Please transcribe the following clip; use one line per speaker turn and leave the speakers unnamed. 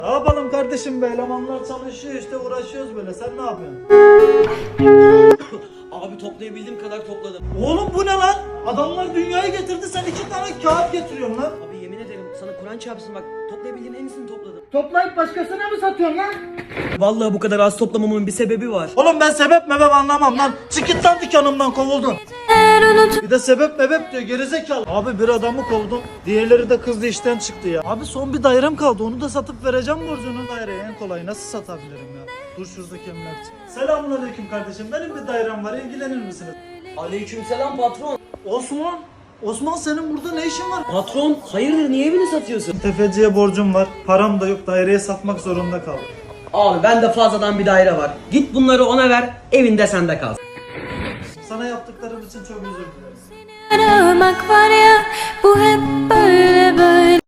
Ne yapalım kardeşim be, elemanlar çalışıyor işte, uğraşıyoruz böyle. Sen ne yapıyorsun?
Abi toplayabildiğim kadar topladım.
Oğlum bu ne lan? Adamlar dünyayı getirdi, sen 2 tane kağıt getiriyorsun lan.
Abi yemin ederim sana Kur'an çarpsın bak, toplayabildiğim en iyisini topladım.
Toplayıp başkasına mı satıyorsun lan?
Vallahi bu kadar az toplamamın bir sebebi var.
Oğlum ben sebep mebep anlamam lan. Çık git lan dükkanımdan, kovuldun. Bir de sebep mebep diyor, gerizekalı. Abi bir adamı kovdum, diğerleri de kızdı, işten çıktı ya. Abi son bir dairem kaldı, onu da satıp vereceğim borcunu. Daireyi en kolay nasıl satabilirim ya? Dur şuradaki emlakçı. Selamünaleyküm kardeşim, benim bir dairem var, ilgilenir misiniz?
Aleykümselam patron.
Osman, Osman senin burada ne işin var?
Patron hayırdır, niye evini satıyorsun?
Tefeciye borcum var, param da yok, daireye satmak zorunda kaldım.
Abi bende fazladan bir daire var. Git bunları ona ver, evinde sende kalsın.
Sana yaptıklarım için çok özür dilerim.
Aramak var ya, bu hep böyle böyle.